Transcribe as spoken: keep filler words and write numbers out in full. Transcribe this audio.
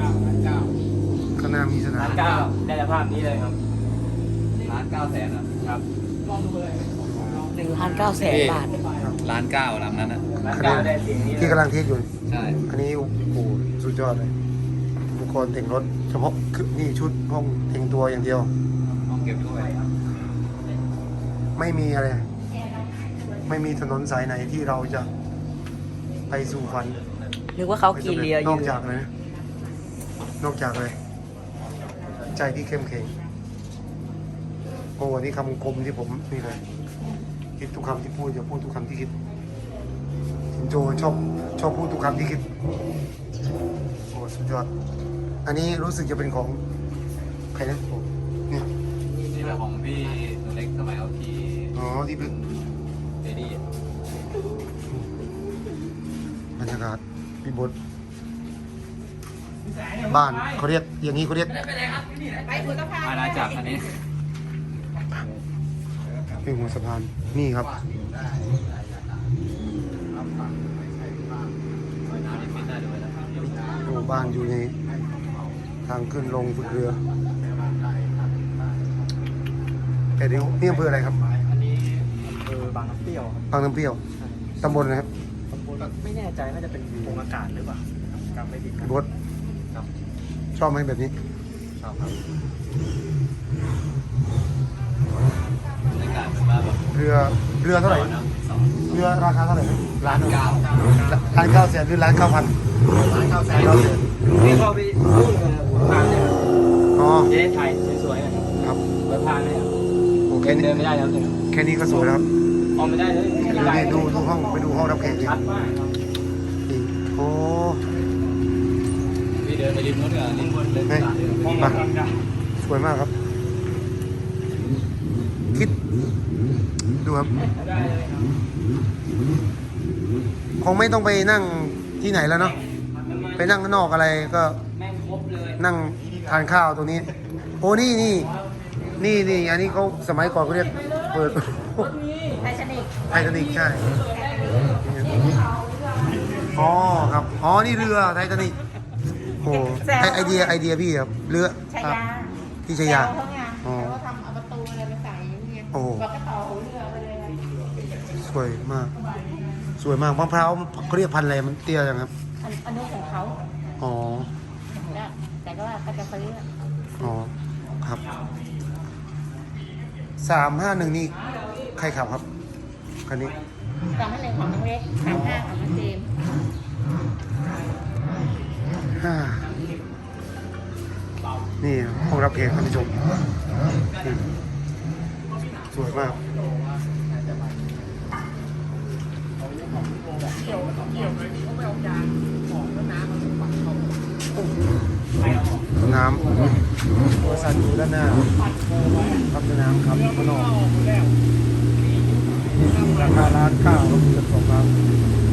ข้างหน้ามีสนาล้าม นเก้าได้สภาพนี้เลยครับล้านเก้าแสนอ่ะครับหนึ่งล้านเก้าแสนบาทล้านเก้าลำนั้นอ่ะล้านเก้าได้เสียงนี้ที่กำลังเทสอยู่ใช่อันนี้โอ้โหสุดยอดเลยอุปกรณ์แต่งรถเฉพาะคือนี่ชุดห้องแต่งตัวอย่างเดียวห้องเก็บด้วยไม่มีอะไร ไม่มีถนนสายไหนที่เราจะไปสู่ฝันนึกว่าเขาขี่เรืออนอยู่ กจากเลยนะนอกจากเลย ใจที่เข้มแข็งโอ้วันนี้คำคมที่ผมนี่เลยคิดทุกคำที่พูดอย่าพูดทุกคำที่คิดโจชอบชอบพูดทุกคำที่คิดโอ้สุดยอดอันนี้รู้สึกจะเป็นของใครนะผมเนี่ยนี่แหละของพี่หนูเล็กสมัยเอาขี่อ๋อที่เป็นเดดี้บรรยากาศพิบทบ้านเขาเรียกอย่างนี้เขาเรียกอาณาจักรอันนี้เป็นหัวสะพานนี่ครับน้ำนี่ฟิตได้ด้วยนะโอ้บ้านอยู่ในทางขึ้นลงฝึกเรือแต่เดี๋ยวนี่อำเภออะไรครับอันนี้เออบางน้ำเปรี้ยวครับบางน้ำเปรี้ยวตำบลนะครับไม่แน่ใจน่าจะเป็นโรงอากาศหรือเปล่าจำไม่ผิดครับบดครับชอบไหมแบบนี้ชอบครับบรรยากาศเหมือนว่าแบบเรือเรือเท่าไหร่น้ำสองเรือราคาเท่าไหร่ล้านเก้าล้านเก้าแสนหรือล้านเก้าพันล้านเก้าแสนเก้าแสนนี่เขาไปรุ่นกับทางเนี่ยอ๋อเจ๊ไทยสวยๆนะครับครับเปิดทางเนี่ยโอเคเดินี่นไม่ได้แล้วเนี่ยแค่นี้ก็สวยแล้วครับออกไม่ได้เลยดูนี่ดูดูห้องไปดูห้องรับแขกดิชัดมากครับนี่โอ้พี่เดินไปริมนู้นเนี่ยริมบนเล่นเฮ้ยสาดเลยห้องมากำลังจะสวยมากครับ คิดดูครับได้เลยครับคงไม่ต้องไปนั่งที่ไหนแล้วเนาะไปนั่งข้างนอกอะไรก็แม่งครบเลยนั่งทานข้าวตรงนี้ โอ้นี่นี่นี่นี่อันนี้เขาสมัยก่อนเขาเรียกเปิดไททานิกไททานิกใช่อ๋อครับ อ๋อ นี่เรือไททานิกโอ้ไอไอเดียไอเดียพี่ครับ เรือชาครับยาพี่ชายาแซวเขาไงอ๋อแล้วก็ทำเอาประตูอะไรไปใส่อย่างเงี้ยโอ้บอกก็ต่อหัวเรือไปเลยสวยมาก สวยมากมะพร้าวเขาเรียกพันธุ์อะไรมันเตี้ยจังครับอันอันนู้นของเขาอ๋อแล้วแต่ก็ว่าก็จะซื้ออ๋อ ครับ สามห้าหนึ่งนี่ใครขับครับ คันนี้สามห้าหนึ่งของน้องเล็กสามห้าของน้องเจมส์ห้านี่ห้องรับแขกท่านผู้ชมนี่สวยมาก น้ำบริษัทอยู่ด้านหน้าครับเป็นน้ำครับข้างนอกราคาล้านเก้าก็คือสองล้าน